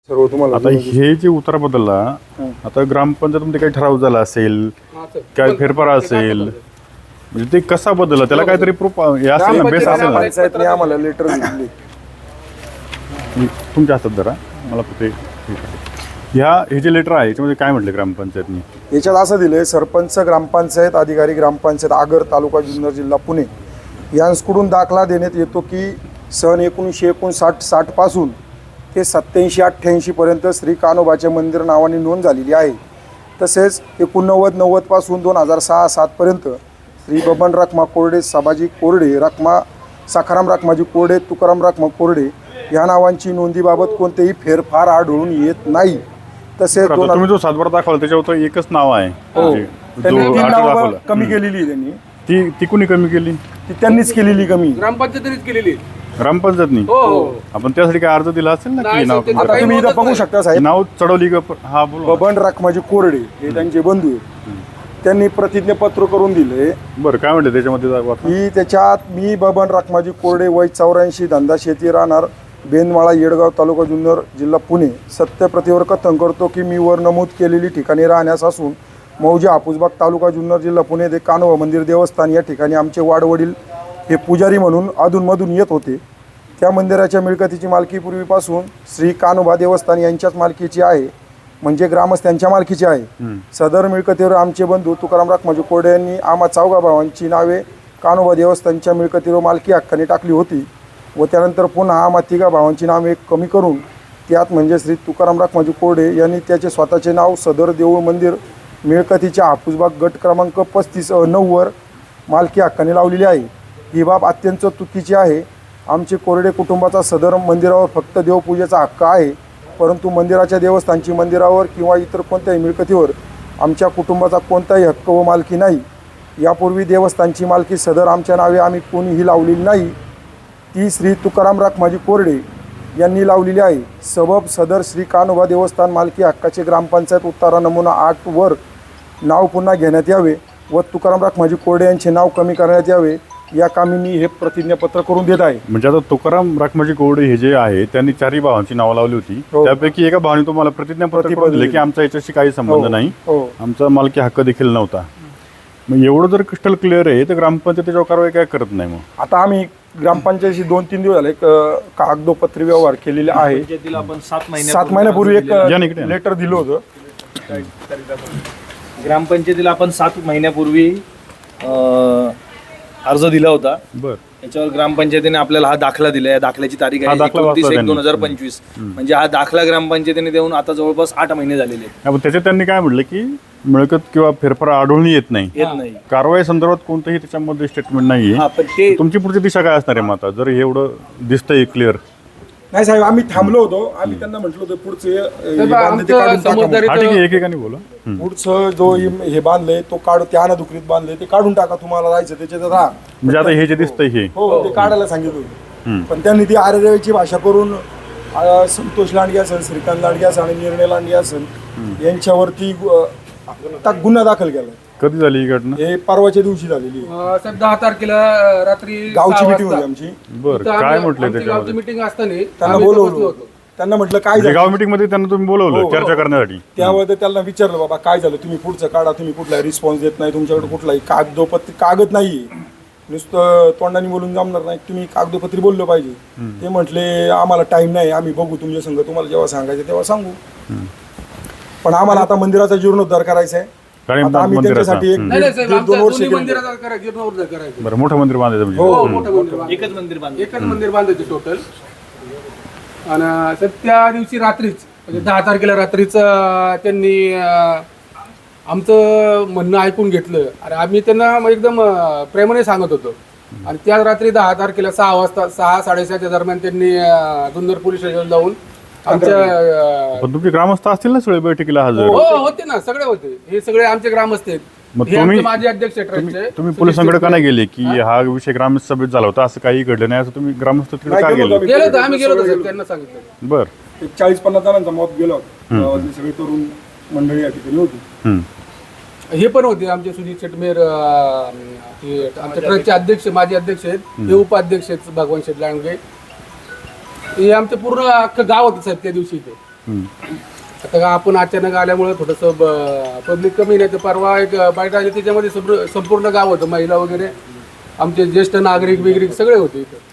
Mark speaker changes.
Speaker 1: सर्व तुम्हाला
Speaker 2: आता हे जे उतारा बदलला, आता ग्रामपंचायतमध्ये काही ठराव झाला असेल, काय फेरफार असेल, म्हणजे ते कसा बदलला त्याला काहीतरी प्रूफ असेल ना, बेस असेल ना.
Speaker 1: पंचायतने आम्हाला लेटर दिली.
Speaker 2: तुमच्या हातात जरा मला ते हे जे लेटर आहे याच्यामध्ये काय म्हटलं ग्रामपंचायतनी?
Speaker 1: याच्यात असं दिलंय, सरपंच, ग्रामपंचायत अधिकारी, ग्रामपंचायत आगर, तालुका जुन्नर, जिल्हा पुणे यांकडून दाखला देण्यात येतो की सन 1959-60 पासून ते 87-88 पर्यंत श्री कान्होबाचे मंदिर नावाने नोंद झालेली आहे. तसेच 89-90 पासून 2006-07 पर्यंत श्री बबन रखमा कोरडे, सभाजी कोरडे रखमा, सखाराम रखमाजी कोरडे, तुकाराम रखमा कोरडे या नावांची नोंदीबाबत कोणतेही फेरफार आढळून येत नाही. तसेच
Speaker 2: तुम्ही जो सातबारा दाखवला त्याच्यावर एकच नाव आहे,
Speaker 1: त्यांनी 3 नावं कमी केलेली. त्यांनी
Speaker 2: ती कुणी कमी केली?
Speaker 1: ती त्यांनीच केलेली कमी,
Speaker 3: ग्रामपंचायतीनेच केलेली.
Speaker 2: ग्रामपंचायतनी. आपण त्यासाठी काय अर्ज दिला असेल ना की नाव
Speaker 1: आता तुम्ही इथं बघू शकता साहेब,
Speaker 2: नाव चढवली का? हा बोल.
Speaker 1: बबन रखमाजी कोरडे हे त्यांचे बंधू आहेत. त्यांनी प्रतिज्ञापत्र करून दिले.
Speaker 2: बरं, काय म्हणते त्याच्यामध्ये?
Speaker 1: की त्याच्यात मी बबन रखमाजी कोरडे, वय 84, धंदा शेती, राहणार बेंदमाळा, येडगाव, तालुका जुन्नर, जिल्हा पुणे, सत्यप्रतीवर कथन करतो की मी वर नमूद केलेली ठिकाणी राहण्यास असून मौजे हापूसबाग, तालुका जुन्नर, जिल्हा पुणे येथे कान्होबा मंदिर देवस्थान या ठिकाणी आमचे वाडवडील हे पुजारी म्हणून अधूनमधून येत होते. त्या मंदिराच्या मिळकतीची मालकी पूर्वीपासून श्री कान्होबा देवस्थान यांच्याच मालकीची आहे, म्हणजे ग्रामस्थांच्या मालकीची आहे. सदर मिळकतीवर आमचे बंधू तुकाराम रखमाजी कोरडे यांनी आम्हा 4 भावांची नावे कान्होबा देवस्थानच्या मिळकतीवर मालकी हक्काने टाकली होती व त्यानंतर पुन्हा आम्हा 3 भावांची नावे कमी करून त्यात म्हणजे श्री तुकाराम रखमाजी कोरडे यांनी त्याचे स्वतःचे नाव सदर देऊळ मंदिर मिळकतीच्या हापूसबाग गट क्रमांक 35-9 वर मालकी हक्काने लावलेली आहे. ही बाब अत्यंत चुकीची आहे. आमचे कोरडे कुटुंबाचा सदर मंदिरावर फक्त देवपूजेचा हक्क आहे, परंतु मंदिराच्या देवस्थानची मंदिरावर किंवा इतर कोणत्याही मिळकतीवर आमच्या कुटुंबाचा कोणताही हक्क व मालकी नाही. यापूर्वी देवस्थानची मालकी सदर आमच्या नावे आम्ही कोणीही लावलेली नाही, ती श्री तुकाराम रखमाजी कोरडे यांनी लावलेली आहे. सबब सदर श्री कान्होबा देवस्थान मालकी हक्काचे ग्रामपंचायत उतारा नमुना 8 वर नाव पुन्हा घेण्यात यावे व तुकाराम रखमाजी कोरडे यांचे नाव कमी करण्यात यावे या कामी मी हे प्रतिज्ञापत्र करून देत आहे.
Speaker 2: म्हणजे आता तुकाराम रखमाजी कोरडे हे जे आहे त्यांनी 4 भावांची नावं लावली होती. त्यापैकी एका भावाने तुम्हाला प्रतिज्ञापत्र दिले की आमचा याच्याशी काही संबंध नाही, आमचा मालकी हक्क देखील नव्हता. मग एवढं जर क्रिस्टल क्लिअर आहे तर ग्रामपंचायत त्याच्यावर कारवाई काय करत नाही? मग
Speaker 1: आता आम्ही ग्रामपंचायतीशी 2-3 दिवस झाले कागदोपत्री व्यवहार केलेले आहे. 7 महिन्यापूर्वी एक लेटर दिलं होतं.
Speaker 3: ग्रामपंचायतीला आपण 7 महिन्यापूर्वी अर्ज दिला होता.
Speaker 2: बरं,
Speaker 3: त्याच्यावर ग्रामपंचायतीने आपल्याला हा दाखला दिला. या दाखल्याची तारीख आहे 29/1/2025. म्हणजे हा दाखला ग्रामपंचायतीने देऊन आता जवळपास 8 महिने झालेले आहेत.
Speaker 2: पण त्याच्यात त्यांनी काय म्हटलं की मिळकत किंवा फेरफार आढळून येत नाही, कारवाई संदर्भात कोणतंही त्याच्यामध्ये स्टेटमेंट नाहीये. तुमची पुढची दिशा काय असणार आहे मग आता जर हे एवढं दिसतंय क्लिअर?
Speaker 1: नाही साहेब, आम्ही थांबलो होतो. आम्ही त्यांना म्हटलं होतं पुढचे
Speaker 2: एकेकाने बोला,
Speaker 1: पुढचं जो हे बांधलंय तो काढू, त्या अनादुकरीत बांधलंय ते काढून टाका, तुम्हाला राहायचं त्याच्यात राहा.
Speaker 2: म्हणजे आता हे जे दिसतंय हे
Speaker 1: हो ते काढायला सांगितलं होतं. पण त्यांनी ती आरेरेची भाषा करून संतोष लांडगे असेल, श्रीकांत लांडगे असेल आणि निर्णय लांडगे असेल यांच्यावरती गुन्हा दाखल केला.
Speaker 2: कधी झाली ही घटना?
Speaker 1: हे परवाच्या दिवशी झालेली.
Speaker 3: 10 तारखेला रात्री
Speaker 1: गावची मीटिंग होती आमची.
Speaker 2: बरं, काय म्हटलं त्याच्यामध्ये?
Speaker 3: मीटिंग असताना
Speaker 1: त्यांना बोलवलं. त्यांना म्हटलं काय झालं,
Speaker 2: गाव मीटिंग मध्ये त्यांना तुम्ही बोलवलं चर्चा करण्यासाठी.
Speaker 1: त्यावेळेस त्यांना विचारलं, बाबा काय झालं, तुम्ही पुढचं काढा, तुम्ही कुठलाही रिस्पॉन्स देत नाही, तुमच्याकडे कुठलाही कागद नाहीये, नुसतं तोंडाने बोलून जमणार नाही, तुम्ही कागदोपत्री बोललं पाहिजे. ते म्हटले आम्हाला टाइम नाही, आम्ही बघू तुमच्या संग, तुम्हाला जेव्हा सांगायचं तेव्हा सांगू. पण आम्हाला आता मंदिराचा जीर्णोद्धार करायचा आहे. आम्ही त्यांच्यासाठी 1-2 वर्ष
Speaker 2: बरं मोठं मंदिर बांधायचं.
Speaker 3: एकच मंदिर बांधायचं टोटल. आणि त्या दिवशी रात्रीच म्हणजे 10 तारखेला रात्रीच त्यांनी आमचं म्हणणं ऐकून घेतलं आणि आम्ही त्यांना एकदम प्रेमाने सांगत होतो. आणि त्या रात्री 10 तारखेला 6 वाजता 6-6:30च्या दरम्यान त्यांनी जुन्नर पोलीस स्टेशन जाऊन आमच्या
Speaker 2: तुमचे ग्रामस्थ असतील ना सगळे बैठकीला हजर?
Speaker 3: होते ना, सगळे होते. हे सगळे आमचे ग्रामस्थ आहेत. माझे अध्यक्ष
Speaker 2: तुम्ही पोलिसांकडे का नाही गेले की हा विषय ग्रामस्थ सभेत झाला होता, असं काही घडलं नाही असं तुम्ही ग्रामस्थ तिकडे का गेले?
Speaker 3: आम्ही गेलो होतो, त्यांना सांगितलं.
Speaker 2: बरं,
Speaker 1: 40-50 जणांचा मत गेला होता. सगळे तरुण मंडळी या ठिकाणी होती.
Speaker 3: हे पण होते आमचे सुजित शेटमेर, आमच्या ट्रस्टचे अध्यक्ष, माजी अध्यक्ष आहेत. हे उपाध्यक्ष आहेत भगवान शेट लांडगे. हे आमचं पूर्ण अख्खं गाव होतं साहेब त्या दिवशी. ते
Speaker 2: हम्म.
Speaker 3: आता आपण अचानक आल्यामुळे थोडंसं पब्लिक कमी नाही तर परवा एक बाईट आली त्याच्यामध्ये संपूर्ण गाव होतं, महिला वगैरे आमचे ज्येष्ठ नागरिक बिगरिक सगळे होते इथं.